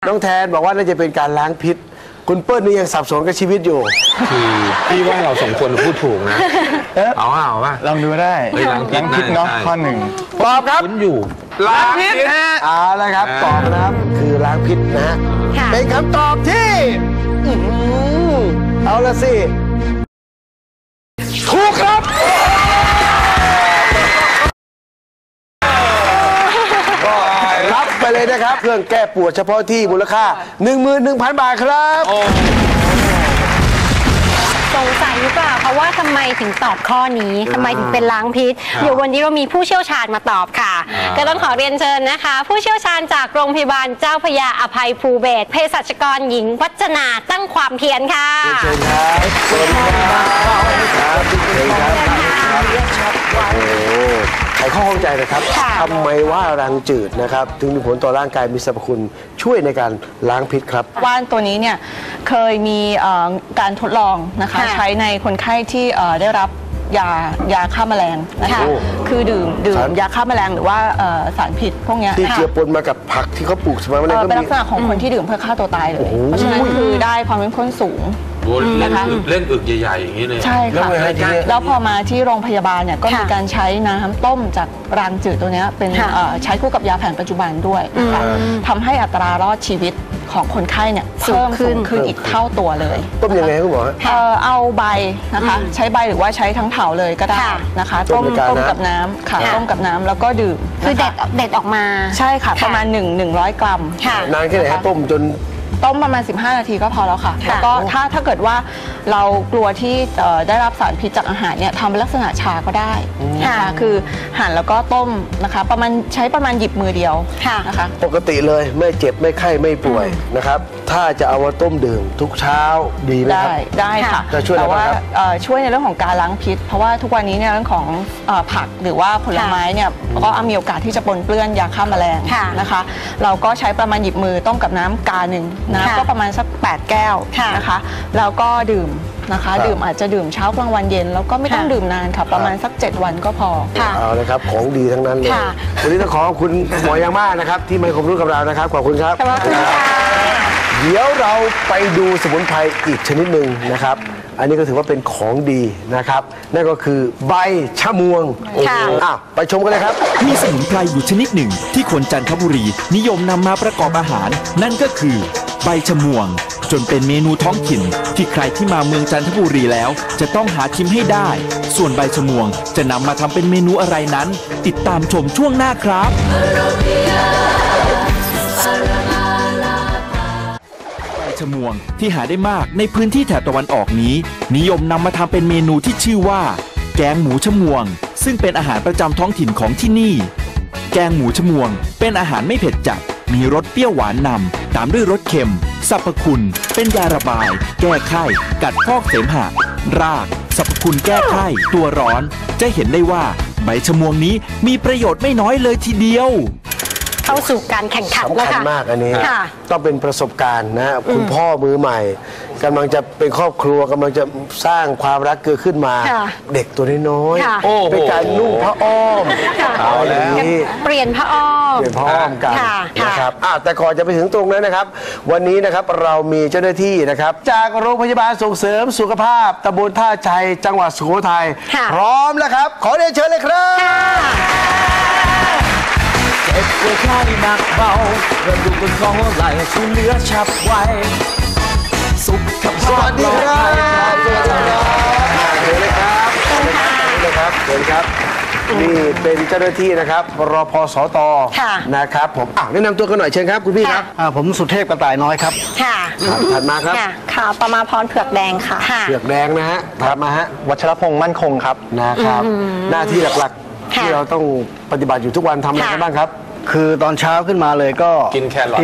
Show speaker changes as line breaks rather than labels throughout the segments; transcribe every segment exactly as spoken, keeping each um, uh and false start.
น้องแทนบอกว่าน่าจะเป็นการล้างพิษคุณเปิ้ลนี่ยังสับสนกับชีวิตอยู่
คือพี่ว่าเราสองคนพูดถูกนะเอาเอาป่ะ
ลองดูได้ล้างพิษเนาะข้อหนึ่ง
ตอบครับ
คุณอยู่
ล้างพิษเอาละครับตอบนะครับคือล้างพิษนะฮะเป็นคำตอบที่เอาละสิถูกครับรับไปเลยนะครับเครื่องแก้ปวดเฉพาะที่มูลค่า หนึ่งหมื่นหนึ่งพัน บาทครับ
สงสัยหรือเปล่าเพราะว่าทำไมถึงตอบข้อนี้ทำไมถึงเป็นล้างพิษเดี๋ยววันนี้เรามีผู้เชี่ยวชาญมาตอบค่ะก็ต้องขอเรียนเชิญนะคะผู้เชี่ยวชาญจากโรงพยาบาลเจ้าพระยาอภัยภูเบศรเภสัชกรหญิงวัจนาตั้งความเพียรค่ะ
เชิญครับเชิญครับเชิญครับโอ้ไขข้อข้องใจนะครับทำไมว่ารังจืดนะครับถึงมีผลต่อร่างกายมีสรรพคุณช่วยในการล้างพิษครับ
ว่านตัวนี้เนี่ยเคยมีการทดลองนะคะใช้ในคนไข้ที่ได้รับยายาฆ่าแมลงนะคะคือดื่มดื่มยาฆ่าแมลงหรือว่าสารพิษพวกนี้
ที่เจือปนมากับผักที่เขาปลูกสมัยนั้นก็
เป็นลักษณะของคนที่ดื่มเพื่อฆ่าตัวตายเลยเพราะฉะนั้นคือได้ความเข้มข้นสูง
เล่นอึกเล่นอึกใหญ่ๆอย่างนี้เลย
ใช่ค่ะแล้วพอมาที่โรงพยาบาลเนี่ยก็มีการใช้น้ำต้มจากรังจืดตัวนี้เป็นใช้คู่กับยาแผนปัจจุบันด้วยนะคะทำให้อัตรารอดชีวิตของคนไข้เนี่ยเพิ่มขึ้นขึ้นอีกเท่าตัวเลย
ต้มยังไงคุณหมอ
เอาใบนะคะใช้ใบหรือว่าใช้ทั้งเถาเลยก็ได้นะคะต้มต้มกับน้ำค่ะต้มกับน้ำแล้วก็ดื่ม
คือเด็ดเด็ดออกมา
ใช่ค่ะประมาณหนึ่งหนึ่งร้อยกรัม
นานแค่ไหนต้มจน
ต้มประมาณสิบห้านาทีก็พอแล้วค่ะแล้วก็ถ้าถ้าเกิดว่าเรากลัวที่ได้รับสารพิษจากอาหารเนี่ยทำเป็นลักษณะชาก็ได้นะคะคือหั่นแล้วก็ต้มนะคะประมาณใช้ประมาณหยิบมือเดียวนะคะ
ปกติเลยไม่เจ็บไม่ไข้ไม่ป่วยนะครับถ้าจะเอามาต้มดื่มทุกเช้าดีไหมครับ
ได้ได้ค่ะแต่ว่าช่วยในเรื่องของการล้างพิษเพราะว่าทุกวันนี้เนี่ยเรื่องของผักหรือว่าผลไม้เนี่ยก็มีโอกาสที่จะปนเปื้อนยาฆ่าแมลงนะคะเราก็ใช้ประมาณหยิบมือต้มกับน้ำกาหนึ่งน้ำก็ประมาณสักแปดแก้วนะคะแล้วก็ดื่มนะคะดื่มอาจจะดื่มเช้ากลางวันเย็นแล้วก็ไม่ต้องดื่มนานค่ะประมาณสักเจ็ดวันก็พอ
เอาเลยครับของดีทั้งนั้นเลยวันนี้ต้องขอขอบคุณหมอยังมากนะครับที่มาให้ความรู้กับเรานะครับขอบคุณครับ
ขอบคุณค่ะ
เดี๋ยวเราไปดูสมุนไพรอีกชนิดหนึ่งนะครับอันนี้ก็ถือว่าเป็นของดีนะครับนั่นก็คือใบชะมวงอ่ะไปชมกันเลยครับ
มีสมุนไพรอยู่ชนิดหนึ่งที่คนจันทบุรีนิยมนำมาประกอบอาหารนั่นก็คือใบชะมวงจนเป็นเมนูท้องถิ่นที่ใครที่มาเมืองจันทบุรีแล้วจะต้องหาชิมให้ได้ส่วนใบชะมวงจะนำมาทำเป็นเมนูอะไรนั้นติดตามชมช่วงหน้าครับใบชะมวงที่หาได้มากในพื้นที่แถบตะวันออกนี้นิยมนำมาทำเป็นเมนูที่ชื่อว่าแกงหมูชะมวงซึ่งเป็นอาหารประจำท้องถิ่นของที่นี่แกงหมูชะมวงเป็นอาหารไม่เผ็ดจัดมีรสเปรี้ยวหวานนำตามด้วยรสเค็มสรรพคุณเป็นยาระบายแก้ไข้กัดพอกเสมหะรากสรรพคุณแก้ไข้ตัวร้อนจะเห็นได้ว่าใบชะมวงนี้มีประโยชน์ไม่น้อยเลยทีเดียว
เข้าสู่การแข่งขันแล้วค่ะ
สำคัญมากอันนี้ต้องเป็นประสบการณ์นะคุณพ่อมือใหม่กำลังจะเป็นครอบครัวกำลังจะสร้างความรักเกิดขึ้นมาเด็กตัวน้อยๆเป็นการนุ่งผ้าอ้อมเอาแล้ว
เปลี่ยนผ้าอ้อม
เปลี่ยนผ้าอ้อมกันนะครับแต่ก่อนจะไปถึงตรงนั้นนะครับวันนี้นะครับเรามีเจ้าหน้าที่นะครับจากโรงพยาบาลส่งเสริมสุขภาพตำบลท่าชัยจังหวัดสุโขทัยพร้อมแล้วครับขอเรียนเชิญเลยครับ
เจ็บปวดคลายหนักเบากระดูกบนคอหัวไหล่ช่วยเหลือฉับไวสุขภาพ
สวัสดีครับสวัสดีครับเชิญเลยครับเชิญเลยครับเชิญครับนี่เป็นเจ้าหน้าที่นะครับรพสตนะครับผมอ่ะแนะนำตัวกันหน่อยเชิญครับคุณพี่ครับ
ผมสุเทพกระต่ายน้อยครับ
ค่ะ
ถัดมาครับ
ค่ะประมาพรเผือกแดงค่ะ
เผือกแดงนะฮะถัดมาฮะ
วัชรพงษ์มั่นคงครับ
นะครับหน้าที่หลักๆที่เราต้องปฏิบัติอยู่ทุกวันทำอะไรกันบ้างครับ
คือตอนเช้าขึ้นมาเลยก็
กินแครอท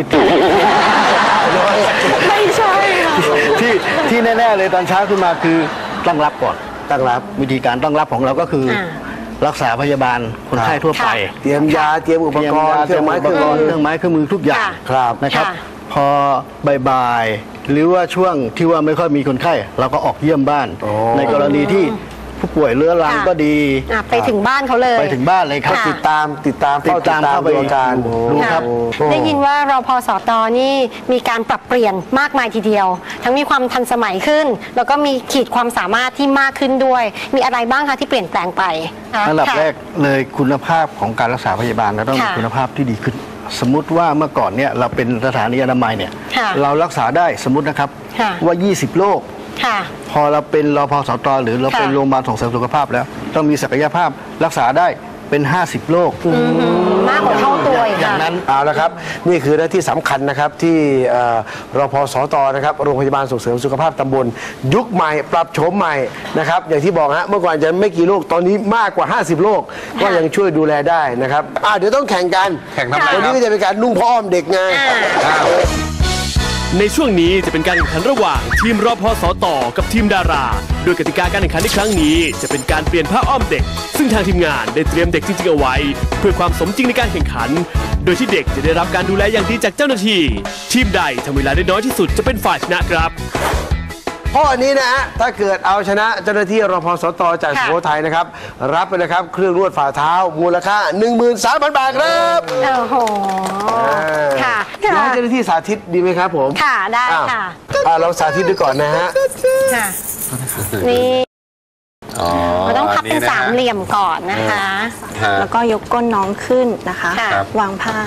ไม่ใช่
ที่ที่แน่ๆเลยตอนเช้าขึ้นมาคือตั้งรับก่อน
ตั้งรับ
วิธีการตั้งรับของเราก็คือรักษาพยาบาลคนไข้ทั่วไป
เตรียมยาเตรียมอุปกรณ์เครื่องไม้เครื่องมือ
เครื่องไม้เครื่องมือทุกอย่างนะครับพอบ่ายๆหรือว่าช่วงที่ว่าไม่ค่อยมีคนไข้เราก็ออกเยี่ยมบ้านในกรณีที่ผู้ป่วยเรื้อรัง
ค่ะ
ก็ดี
อ่ะไปถึงบ้านเขาเลย
ไปถึงบ้านเลยครับ
ค่ะ
ติดตามติดตาม
ติด
เฝ้าติด
ตาม
ตาม
เข้าไป
ดูอาการ
ดู
ค่ะ
ครับ
ได้ยินว่ารพสตนี่มีการปรับเปลี่ยนมากมายทีเดียว ทั้งมีความทันสมัยขึ้น แล้วก็มีขีดความสามารถที่มากขึ้นด้วย มีอะไรบ้างคะที่เปลี่ยนแปลงไปคะ
อันดับ
ค่ะ
แรกเลยคุณภาพของการรักษาพยาบาลเราต้องมี
ค่ะ
คุณภาพที่ดีขึ้น สมมุติว่าเมื่อก่อนเนี่ยเราเป็นสถานีอนามัยเนี่ย
ค่ะ
เรารักษาได้สมมตินะครับ
ค่ะ
ว่า ยี่สิบ โรค
ค่ะ
พอเราเป็นรพสตหรือเราเป็น
ค่ะ
โรงพยาบาลส่งเสริมสุขภาพแล้ว ต้องมีศักยภาพรักษาได้เป็น ห้าสิบ โรค
มากกว่าเท่าตัวอีก
อย่าง
ค่ะ
นั้น
เอาละครับนี่คือหน้าที่สำคัญนะครับที่เอ่อรพสตนะครับโรงพยาบาลส่งเสริมสุขภาพตำบลยุคใหม่ปรับโฉมใหม่นะครับอย่างที่บอกฮะเมื่อก่อนจะไม่กี่โรคตอนนี้มากกว่า ห้าสิบ โรคก็ยังช่วยดูแลได้นะครับอ่ะเดี๋ยวต้องแข่งกัน
แข่งทำไม
วัน
ครั
นี้
บ
ก็จะเป็นการนุ่งผ้าอ้อมเด็กไง
อ้าว
ในช่วงนี้จะเป็นการแข่งขันระหว่างทีมรพสตกับทีมดารา โดยกติกาการแข่งขันในครั้งนี้จะเป็นการเปลี่ยนผ้าอ้อมเด็ก ซึ่งทางทีมงานได้เตรียมเด็กจริงๆเอาไว้ เพื่อความสมจริงในการแข่งขัน โดยที่เด็กจะได้รับการดูแลอย่างดีจากเจ้าหน้าที่ทีมใดทำเวลาได้น้อยที่สุดจะเป็นฝ่ายชนะครับ
ข้อนี้นะฮะถ้าเกิดเอาชนะเจ้าหน้าที่รพสตจากสุ
ค่ะ
โขทัยนะครับรับไปเลยครับเครื่องนวดฝ่าเท้ามูลค่า หนึ่งหมื่นสามพัน บาทครับ
โอ้โห ค่ะ
เดี๋ยวให้เจ้าหน้าที่สาธิตดีไหมครับผม
ค่ะ ได้
อ้าว
ค่ะ
อ่าเราสาธิตดูก่อนนะฮะ
ค่ะ นี่
อ๋อ
เราต้องพับเป็น
ะฮะ
สามเหลี่ยมก่อนนะคะ
ฮะ
แล้วก็ยกก้นน้องขึ้นนะคะ
ค่ะ
วางผ้าว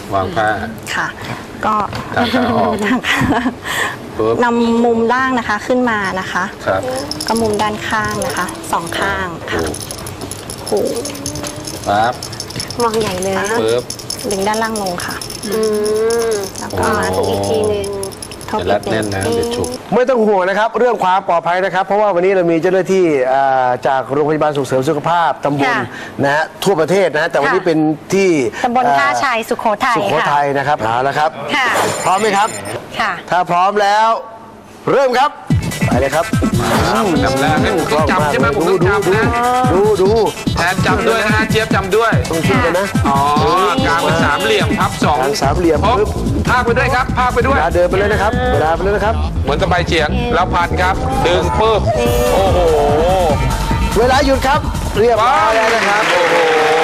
างผ้า
ค่ะ ก็
ทางขาออก
ทางขา
ปุ๊บ
นำมุมล่างนะคะขึ้นมานะคะ
ครับ
ก็มุมด้านข้างนะคะสองข้างค่ะหู
ปั๊บ
มองใหญ่เลย
ปุ๊บ
ดึงด้านล่างลงค่ะ
อืม
แล้ว
ก็
ก็
มาถูกอีกทีหนึง
ทบ
เดี๋ยวรัดแน่นนะ
อีก
เดี๋ยวฉุก
ไม่ต้องห่วงนะครับเรื่องความปลอดภัยนะครับ เพราะว่าวันนี้เรามีเจ้าหน้าที่อ่าจากโรงพยาบาลส่งเสริมสุขภาพตำบล
ค่ะ
นะฮะทั่วประเทศนะฮะแต่วันนี้
ค่ะ
เป็นที่
ตำบลท่า
อ่
ชัยสุโขทัย
สุโข
ค่ะ
ทัยนะครับเอาละครับ
ค่ะ
พร้อมไหมครับ
ค่ะ
ถ้าพร้อมแล้ว เริ่มครับไปเลยครับ
จำได้ให้ผมต้องจำใช่ไหมผมต้องจำนะ
ดูดู
แทนจำด้วยนะฮะเจี๊ยบจำด้วย
ต้องช่วยกันนะ
อ๋อกลางเป็นสามเหลี่ยมพับสอง
กลางสามเหลี่ยม
ปุ๊บ
ปึ๊บ
พากไปด้วยครับพากไปด้
เว
วย
ลาเดินไปเลยนะครับเวลาไปเลยนะครับ
เหมือนกับใบเฉียงแล้วพันครับ ดึงปุ๊บโอ้โห
เวลาหยุดครับ เรียบร้อยแล้วนะครับ
โอ้โห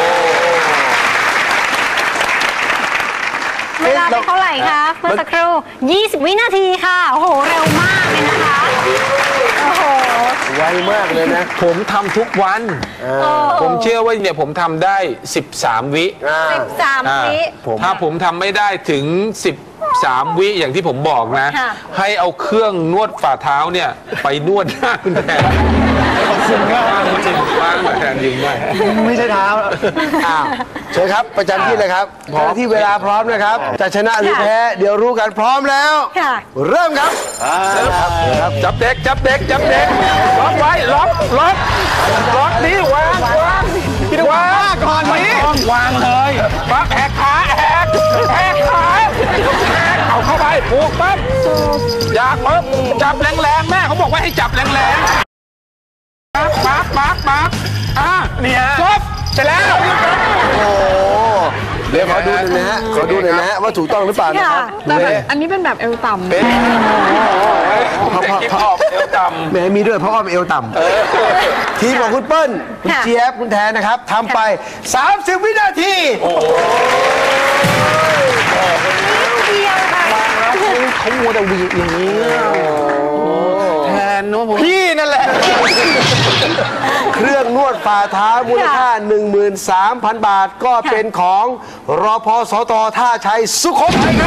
เวลาเป็นเท่าไหร่คะเมื่อสักครู่ ยี่สิบ วินาทีค่ะ โอ้โห เร็วมากเลยนะคะ โอ้โห
ไวมากเลยนะ
ผมทำทุกวัน ผมเชื่อว่าเนี่ยผมทำได้ สิบสาม วิ
อ่า
สิบสาม
อ่า
วิ
ถ้าผมทำไม่ได้ถึง สิบสาม วิอย่างที่ผมบอกนะ
ค่ะ
ให้เอาเครื่องนวดฝ่าเท้าเนี่ย ไปนวดหน้าคุณแทนขอบคุณมากจริงๆมากแทนยิงด้วย
ไม่ใช่เท้า
อ้าวเชิญครับประจำที่เลยครับพร้อมที่เวลาพร้อมนะครับ จะชนะหรือแพ้เดี๋ยวรู้กันพร้อมแล้ว
ค่ะ
เริ่มครับครับครับ
จับเด็กจับเด็กจับเด็กล็อกไว้ล็อกล็อกล็อกนี้วางวางวางก่อนนี้วางเลยปั๊บแหกขาแหกแหกขาแหกเอาเข้าไปผูกปั๊บอยากปั๊บจับแรงๆแม่เขาบอกว่าให้จับแรงๆปั๊บปั๊บปั๊บปั๊บอ่ะเนี่ยจบเสร็จแล้ว
โอ้เดี๋ยวขอดูหน่อยนะฮะขอดูหน่อยนะฮะว่าถูกต้องหรือเปล่านะครับ
แต่แบบอันนี้เป็นแบบเอวต่ำ
เป็นคิปฮอปเอวต่ำ
แหมมีด้วยเพราะอ้อมเอวต่ำทีมของคุณเปิ้ลคุณ
ค่ะ
เจี๊ยบคุณแทนนะครับทำไป สามสิบ วินาที
เดียวค่ะ
เขามัวแต่วีอย่างนี้แทนเนอะผมพี่นั่นแหละ
เครื่องนวดฝ่าเท้ามูลค่า หนึ่งหมื่นสามพัน บาทก็เป็นของรพสตท่าชัยสุโขทัยครับ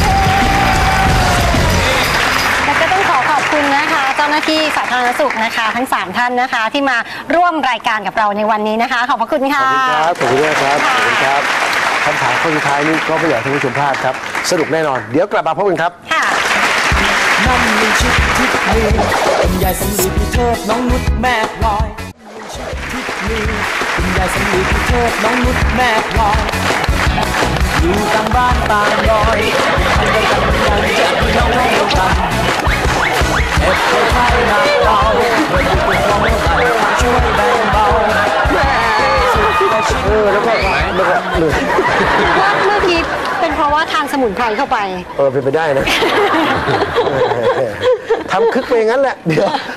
แล้วก็ต้องขอขอบคุณนะคะ เจ้าหน้าที่สาธารณสุขนะคะ ทั้ง สาม ท่านนะคะ ที่มาร่วมรายการกับเราในวันนี้นะคะ ขอบพระคุณ
ข
ค่ะ
อบคุณครับ ขอบคุณด้วยครับ ขอบคุณครับคำถามข้อสุดท้ายนี้ก็ไม่อยากให้ท่านผู้ชมพลาดครับ สนุกแน่นอน เดี๋ยวกลับมาพบกันครับ
ค่ะ
นั่นมีชิดทิศมีคุณยายสำลีพี่เทิดน้องนุชแม่พลอยชิดทิศมีคุณยายสำลีพี่เทิดน้องนุชแม่พลอยอยู่ต่างบ้านต่างดอยทำกันกันอย่างจะพี่น้องน้องกันเอ็ดไปไทยหนักเบาเพื่ออยู่เป็นกองไหลช่วยแบ่งเบาสุดแต่ชิด
เออ แล้วก็แล้วก็เหนื่อย
ว่าเมื่อกี้เป็นเพราะว่าทานสมุนไพรเข้าไป
เออเป็นไปได้นะ ทำคึกไปอย่างนั้นแหละ เดี๋ยว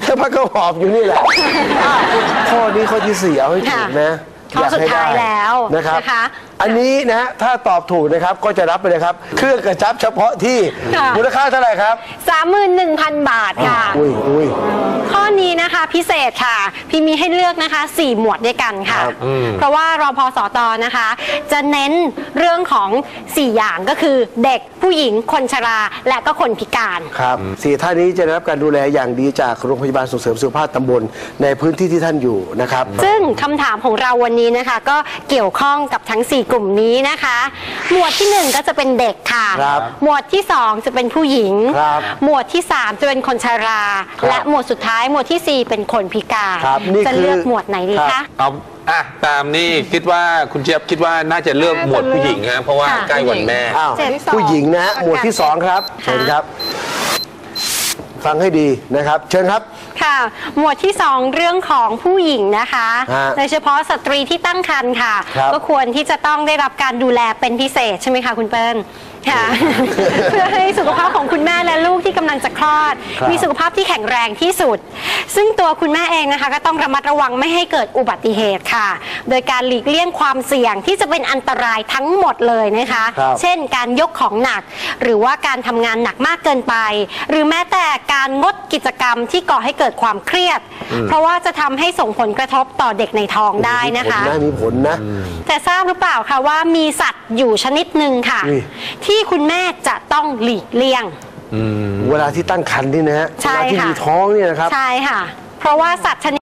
พักก็หอบอยู่นี่แหละข้อนี้ข้อที่สี่เอาให้ถูกนะ
ข้อสุดท้ายแล้ว
นะครับ
นะคะ
อันนี้นะถ้าตอบถูกนะครับก็จะรับไปเลยครับเครื่องกระชับเฉพาะที่มูลค่าเท่าไหร่ครับ
สามหมื่นหนึ่งพัน บาทค่ะ
อุ้ยอุ้ย
ข้อนี้นะคะพิเศษค่ะ พี่มีให้เลือกนะคะสี่หมวดด้วยกันค่ะ
ครับ
เพราะว่ารพสตนะคะ จะเน้นเรื่องของสี่อย่างก็คือเด็กผู้หญิงคนชราและก็คนพิการ
ครับสี่ท่านนี้จะได้รับการดูแลอย่างดีจากโรงพยาบาลส่งเสริมสุขภาพตำบลในพื้นที่ที่ท่านอยู่นะครับ
ซึ่งคำถามของเราวันนี้นะคะ ก็เกี่ยวข้องกับทั้งสี่กลุ่มนี้นะคะ หมวดที่หนึ่งก็จะเป็นเด็กค่ะ
ครับ
หมวดที่สองจะเป็นผู้หญิง
ครับ
หมวดที่สามจะเป็นคนชรา
ครับ
และหมวดสุดท้ายหมวดที่สี่เป็นคนพิการ
ครับนี่
จะ
คือ
เลือกหมวดไหนดี
ครั
คะ
บ
เอาอ่ะตามนี่คิดว่าคุณเจี๊ยบคิดว่าน่าจะเลือกหมวดผู้หญิงฮะเพราะว่า
ค่ะ
ใกล้วันแม่
อ้าว
เจ็ด
ผู้หญิงนะฮะหมวดที่สองครับ
ค่ะ
เชิญครับ ฟังให้ดีนะครับ เชิญครับ
ค่ะ หมวดที่สองเรื่องของผู้หญิงนะคะ
ฮะ
โดยเฉพาะสตรีที่ตั้งครรภ์ค่ะ
ครับ
ก็ควรที่จะต้องได้รับการดูแลเป็นพิเศษใช่ไหมคะคุณเปิ้ลค่ะ เพื่อให้สุขภาพของคุณแม่และลูกที่กำลังจะคลอด
ครับ
มีสุขภาพที่แข็งแรงที่สุด ซึ่งตัวคุณแม่เองนะคะ ก็ต้องระมัดระวังไม่ให้เกิดอุบัติเหตุค่ะ โดยการหลีกเลี่ยงความเสี่ยงที่จะเป็นอันตรายทั้งหมดเลยนะคะ
ครับ
เช่นการยกของหนัก หรือว่าการทำงานหนักมากเกินไป หรือแม้แต่การงดกิจกรรมที่ก่อให้เกิดความเครียด เพราะว่าจะทำให้ส่งผลกระทบต่อเด็กในท้องได้นะคะ
มีผลนะมีผลนะ
แต่ทราบหรือเปล่าคะว่ามีสัตว์อยู่ชนิดหนึ่งค่ะ
อุ้ย
ที่คุณแม่จะต้องหลีกเลี่ยง
เวลาที่ตั้งครรภ์นี่นะฮะ
ใช่
เวลาที่
ค่ะ
มีท้องเนี่ยนะครับ
ใช่ค่ะ เพราะว่าสัตว์ชนิด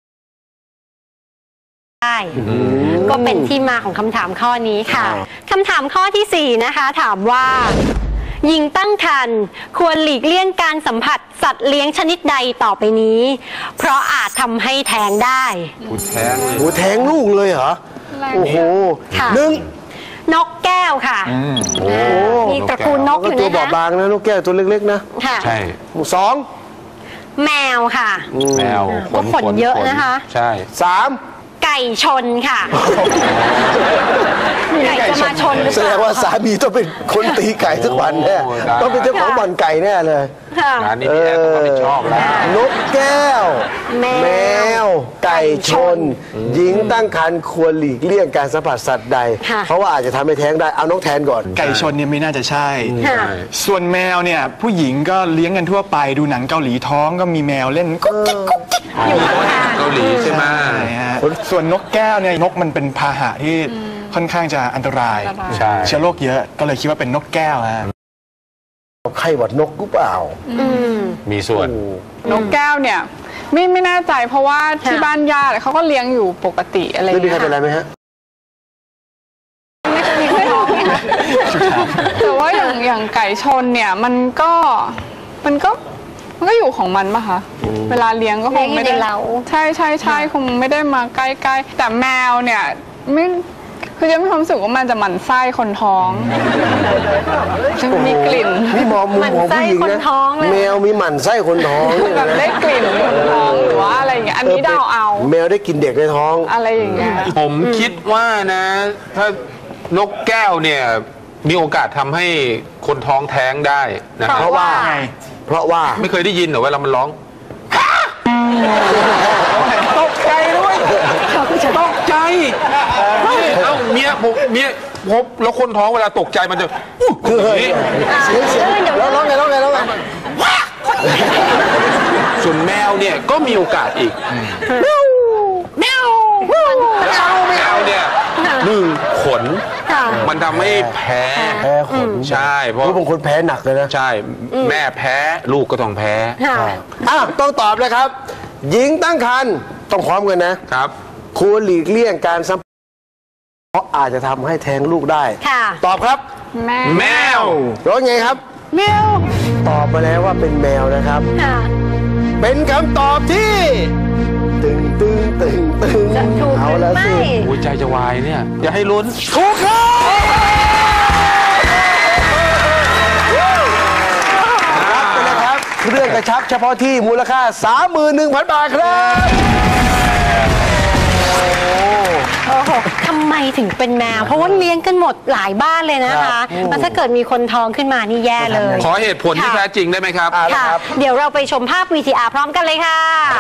ได้ก็เป็นที่มาของคำถามข้อนี้ค่ะ
อ้าว
คำถามข้อที่สี่นะคะ ถามว่าหญิงตั้งครรภ์ควรหลีกเลี่ยงการสัมผัสสัตว์เลี้ยงชนิดใดต่อไปนี้ เพราะอาจทำให้แท้งได้
คุณแท้งเลย
โอ้แทงลูกเลยเหรอ โอ้โห
ค่ะ
หนึ่ง
นกแก้วค่ะ
โอ้
มีตระกูลนก
ก็
อยู่
ตัว
นะ
บอ
คะ
บบางนะนกแก้วตัวเล็กๆนะ
ค่ะ
ใช่
สอง
แมวค่ะ
แมว
ก็ขนเยอะนะคะ
ใช่
สาม
ไก่ชนค่ะ ไก่จะมาชนหรือ
แส
เป
ด
ล่าง
ว่าสามีต้องเป็นคนตีไก่ทุกวันแน่
โอ้ได้
ต้องเป็นเจ้าของบ่อนไก่แน่เลย
ค่ะ
งานนี้พี่แอนต้องรับผิดชอบแล้ว
นกแก้ว
แมว
แมว ไก่ชน หญิงตั้งครรภ์ควรหลีกเลี่ยงการสัมผัสสัตว์ใด
ค่ะ
เพราะว่าอาจจะทำให้แท้งได้ เอานกแทนก่อน
ไก่ชนเนี่ยไม่น่าจะใช่
ค่ะ
ส่วนแมวเนี่ยผู้หญิงก็เลี้ยงกันทั่วไปดูหนังเกาหลีท้องก็มีแมวเล่นกุ๊กกิ๊กกุ๊กกิ๊ก
อยู่ข้าง
เกาหลีใช่ไหม
ใช่ฮะส่วนนกแก้วเนี่ยนกมันเป็นพาหะที่ค่อนข้างจะอันตราย
ใช่
เชื้อโรคเยอะก็เลยคิดว่าเป็นนกแก้วฮะ
ไข้หวัดนกหรือเปล่า
อืม
มีส่วน
นกแก้วเนี่ยไม่ไม่แน่ใจเพราะว่าที่บ้านญาติเขาก็เลี้ยงอยู่ปกติอะไรอย่าง
ไม่มี
เงี้
ใคร
ย
เป็นไรไหมฮะ
ไม่มีคนท้องนะคะแต่ว่าอย่างอย่างไก่ชนเนี่ยมันก็มันก็มันก็อยู่ของมันปะคะเวลาเลี้ยงก็คงไม่ได้
เลี้ยงอยู่ในเล้า
ใช่ใช่ใช่คงไม่ได้มาใกล้ๆแต่แมวเนี่ยไม่คือจะมีความรู้สึกว่ามันจะหมั่นไส้คนท้องจะมีกลิ่น
นี่มองมุมของผู้หญิง
หมั่นไส้คน
นะ
ท้องเลย
แมวมีหมั่นไส้คนท้องเนี่ย
แบบ
นะ
ได้กลิ่นคนท้องหรือว่าอะไรอย่างเงี้ยอันนี้เดาเอา
แมวได้กินเด็กในท้อง
อะไรอย่างเงี้ย
ผมคิดว่านะ ถ้านกแก้วเนี่ยมีโอกาสทำให้คนท้องแท้งได้นะ
เพราะว่า เพราะว่า
ไม่เคยได้ยินเหรอเวลามันร้องตกใจด้วยตกใจนี่เอ้าเมียผมเมียพบแล้วคนท้องเวลาตกใจมันจะอู้หูอย่างนี้
เสียงเสียงแล้วร้องไงร้องไงร้องไง
ส่วนแมวเนี่ยก็มีโอกาสอีก
แมวแมว
แล้วแมวเนี่ยหนึ่งขน
ค่ะ
มันทำให้แพ้
แพ้ขน
ใช่เพราะ
เพราะบางคนแพ้หนักเลยนะ
ใช่แม่แพ้ลูกก็ต้องแพ้
ค่ะ
อ่ะต้องตอบนะครับ หญิงตั้งครรภ์ต้องพร้อมกันนะ
ครับ
ควรหลีกเลี่ยงการสัมผัสเพราะอาจจะทำให้แท้งลูกได้
ค่ะ
ตอบครับ
แม่
แมว
ร้องไงครับ
แมว
ตอบมาแล้วว่าเป็นแมวนะครับ
ค่ะ
เป็นคำตอบที่ ตึงตึงตึงตึง
จะถูกห
เอา
รือ
แล้ว
ไม่
สิ
หัวใจจะวายเนี่ย อย่าให้ลุ้น
ถูกครับรับไปเลยครับเครื่องกระชับเฉพาะที่มูลค่า สามหมื่นหนึ่งพัน บาทครับ
โอ้โหทำำไมถึงเป็นแมว เพราะว่าเลี้ยงกันหมดหลายบ้านเลยนะคะแล้วถ้าเกิดมีคนท้องขึ้นมานี่แย่เลย
ขอเหตุผลที่แท้จริงได้ไหมครับ
ค่ะเดี๋ยวเราไปชมภาพ วี ที อาร์ พร้อมกันเลยค่ะ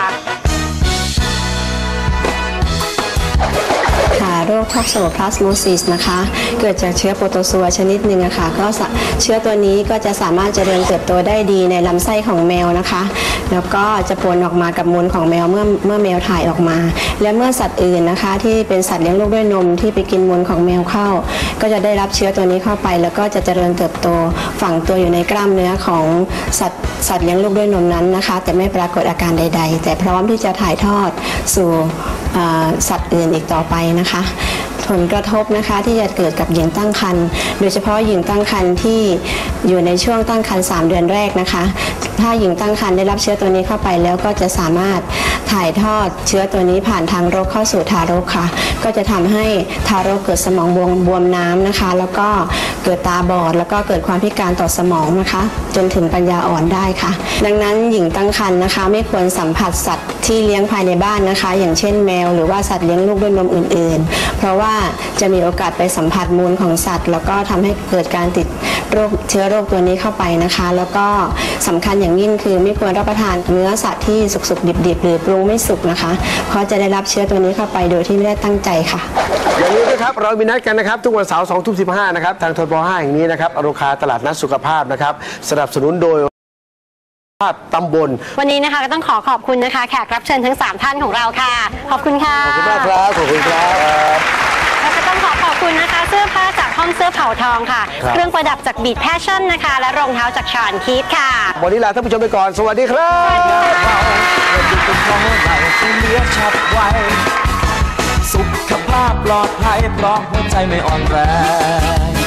ค่ะโรคท็อกโซพลาสโมซิสนะคะเกิดจากเชื้อโปรโตซัวชนิดหนึ่งอะค่ะก็เชื้อตัวนี้ก็จะสามารถเจริญเติบโตได้ดีในลำไส้ของแมวนะคะแล้วก็จะปนออกมากับมูลของแมวเมื่อเมื่อแมวถ่ายออกมาและเมื่อสัตว์อื่นนะคะที่เป็นสัตว์เลี้ยงลูกด้วยนมที่ไปกินมูลของแมวเข้าก็จะได้รับเชื้อตัวนี้เข้าไปแล้วก็จะเจริญเติบโตฝังตัวอยู่ในกล้ามเนื้อของสัตว์สัตว์เลี้ยงลูกด้วยนมนั้นนะคะแต่ไม่ปรากฏอาการใดๆแต่พร้อมที่จะถ่ายทอดสู่สัตว์อื่นอีกต่อไปนะคะผลกระทบนะคะที่จะเกิดกับหญิงตั้งครรภ์โดยเฉพาะหญิงตั้งครรภ์ที่อยู่ในช่วงตั้งครรภ์สามเดือนแรกนะคะถ้าหญิงตั้งครรภ์ได้รับเชื้อตัวนี้เข้าไปแล้วก็จะสามารถถ่ายทอดเชื้อตัวนี้ผ่านทางรกเข้าสู่ทารกค่ะก็จะทำให้ทารกเกิดสมองบวมบวมน้ำนะคะแล้วก็เกิดตาบอดแล้วก็เกิดความพิการต่อสมองนะคะจนถึงปัญญาอ่อนได้ค่ะดังนั้นหญิงตั้งครรภ์นะคะไม่ควรสัมผัสสัตว์ที่เลี้ยงภายในบ้านนะคะอย่างเช่นแมวหรือว่าสัตว์เลี้ยงลูกด้วยนมอื่นๆเพราะว่าจะมีโอกาสไปสัมผัสมูลของสัตว์แล้วก็ทำให้เกิดการติดโรคเชื้อโรคตัวนี้เข้าไปนะคะแล้วก็สำคัญอย่างยิ่งคือไม่ควรรับประทานเนื้อสัตว์ที่สุกๆดิบๆหรือปรุงไม่สุกนะคะเพราะจะได้รับเชื้อตัวนี้เข้าไปโดยที่ไม่ได้ตั้งใจค่ะ
อย่าลืมนะครับเรามีนัดกันนะครับทุกวันเสาร์สองทุ่มสิบห้านะครับทางทบห้าแห่งนี้นะครับอโรคาตลาดนัดสุขภาพนะครับสนับสนุนโดยตำบล
วันนี้นะคะก็ต้องขอขอบคุณนะคะแขกรับเชิญทั้งสามท่านของเราค่ะขอบคุณค่ะ
ขอบคุณมากครับขอบคุณครับ
แล้วก็ต้องขอขอบคุณนะคะเสื้อผ้าจากห้องเสื้อเผ่าทองค่ะเครื่องประดับจากบีทแพชชั่นนะคะและรองเท้าจากชอนคีทค่ะ
วันนี้ลาท่านผู้ชมไปก่อนสวัสดีครับ
สุขภาพปลอดภัยเพราะหัวใจไม่อ่อนแรง